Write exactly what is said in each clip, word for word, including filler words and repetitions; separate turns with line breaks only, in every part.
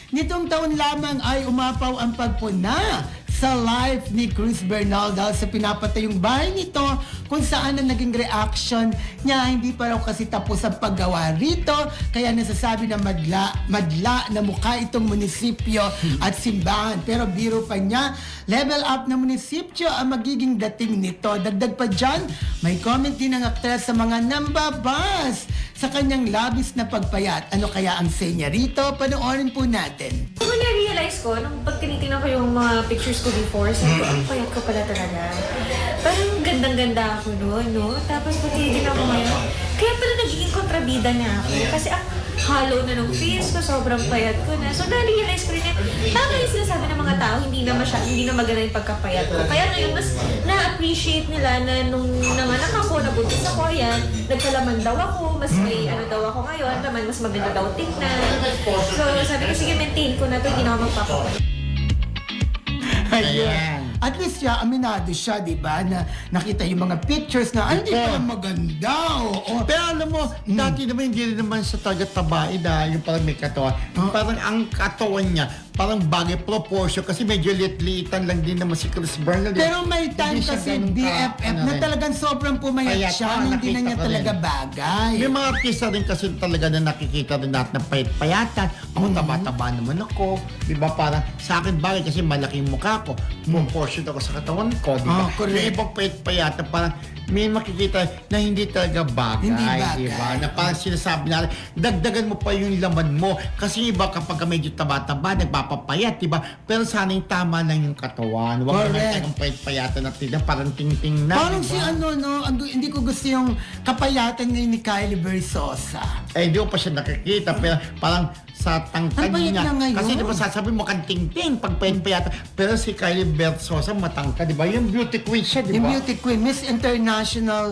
nitong taon lamang ay umapaw ang pagpuna sa life ni Chris Bernal dahil sa pinapatay yung bahay nito kung saan ang naging reaction niya. Hindi pa raw kasi tapos ang paggawa rito, kaya nasasabi na madla, madla na mukha itong munisipyo at simbahan. Pero biro pa niya, level up na munisipyo ang magiging dating nito. Dagdag pa dyan, may comment din ng aktres sa mga nambabas sa kanyang labis na pagpayat. Ano kaya ang say niya rito? Panoorin po natin.
Kung na-realize ko, nung pag tinitingnan ko yung mga pictures ko before, sabi ko, ang payat ko pala talaga. Parang gandang-ganda ako noon, no? Tapos pag tinitingnan ko ngayon, kaya pala nagiging kontrabida na ako. Kasi ang hollow na ng face ko, sobrang payat ko na. So na-realize ko rin yan, tama yung sinasabi ng mga tao, hindi na masya, hindi na maganda yung pagkapayat ko. Kaya ngayon, mas na-appreciate nila na nung nanganak ako, nabuntis ako, ayan, nagkalaman daw ako, mas may ano daw ako ngayon, naman mas maganda daw tignan. So sabi ko, sige, maintain ko na to, hindi na ako magpapapayat.
Ayan. At least siya, aminado siya, di ba? Na nakita yung mga pictures na, ay, hindi pala maganda. Oo.
Pero alam mo, dati naman hindi rin naman siya talaga tabae na yung parang may katawan. Parang ang katawan niya, parang bagay proportion kasi medyo lit-liitan lang din naman si Chris Bernal.
Pero may time
Hindi siya
kasi
ganun
B
ka-
F F
ano
na
rin.
talagang sobrang pumayat
Payat,
siya,
ah,
hindi na
nakita
niya
ko
talaga
rin.
bagay.
May mga artista rin kasi talaga na nakikita rin natin na payat-payatan. Ako, taba-taba naman ako. Di ba? Parang sa akin bagay kasi malaking mukha ko. Proportion ako sa katawan ko. Di ba?
Ah, correct.
Yung ibang payat-payatan, parang may makikita na hindi talaga bagay.
Hindi bagay.
Di ba? Na parang sinasabi natin, dagdagan mo pa yung laman mo. Kasi yung iba kapag medyo taba-taba, nagpapapayat, di ba? Pero sana yung tama lang yung katawan. Huwag naman
Correct.
tayong payat-payatan na tignan, parang ting-ting na.
Parang
di
si
ba?
ano, no, ang- hindi ko gusto yung kapayatan ngayon ni Kylie Versosa.
Eh, hindi ko pa siya nakikita. Pero parang sa tangkad
Ang payat
niya.
na ngayon.
Kasi di ba sasabi mo kang ting-ting pag payat-payatan. Pero si Kylie Versosa matangkad, di ba? Yung beauty queen siya, di
Yung
ba?
beauty queen, Miss International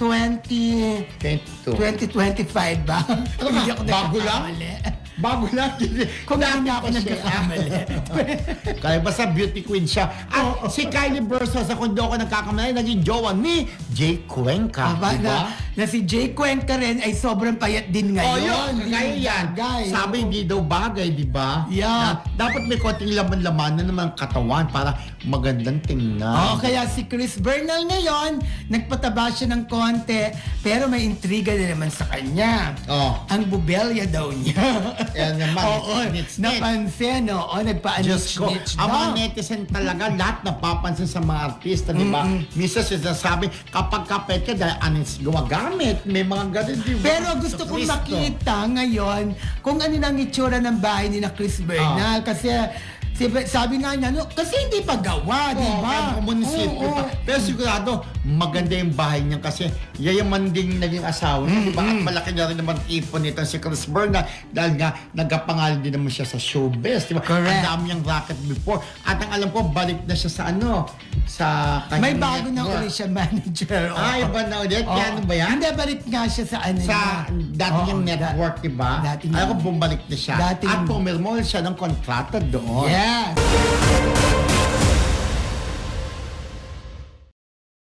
twenty
twenty-two.
twenty twenty-five ba?
Ano ka?
Hindi ako
Bago lang?
nagkakamali.
Bago lang.
Kung
Dati
hindi ako
pa siya.
nagkakamali.
Kaya basta beauty queen siya. At si Kylie Versosa, kung di ako nagkakamali, naging jowa ni Jay Cuenca.
Aba,
di ba?
na, na si Jay Cuenca rin ay sobrang payat din
Oh,
ngayon.
yun.
Hindi
Kaya yan.
bagay.
Sabi hindi daw bagay, di ba?
Yeah.
Na dapat may konting laman-laman na naman ang katawan para magandang tingnan.
Oo, kaya si Chris Bernal ngayon, nagpataba siya ng konti, pero may intriga na naman sa kanya.
Oh.
Ang bubelya daw niya.
Yan naman.
Oo,
Nits-nits.
napansin, oo,
Diyos ko,
nagpa-anich-nich
ang mga
daw.
netizen talaga, lahat napapansin sa mga artista, di ba? Minsan sinasabi, kapag kapit ka, dahil anong gumagamit, may mga ganun, di ba?
Pero gusto
Sa
kong
Cristo.
makita ngayon kung ano nang itsura ng bahay ni na Chris Bernal. Kasi si- sabi nga niya, no, kasi hindi pa gawa, di
Oo,
ba?
kaya munisipyo
Oo,
pa.
oo.
Pero sigurado, maganda yung bahay niya kasi yayaman din naging asawa niya, di ba? At malaki na rin naman ipon nito si Chris Bernal dahil nga nagkapangalan din naman siya sa showbiz, di ba?
Correct.
Ang dami niyang racket before. At ang alam ko, balik na siya sa ano, sa
May
kanyang
bago na
network.
ulit siya manager. oo.
Ah, iba na ulit?
Oo.
Yan ba yan?
Hindi, balik nga siya sa ano
Sa
niya.
dati
Oo,
niyang
da-
network, di ba?
dati
Alam
niyang-
ko, bumalik na siya.
Dating-
At pumirmol siya ng kontrata doon.
Yes.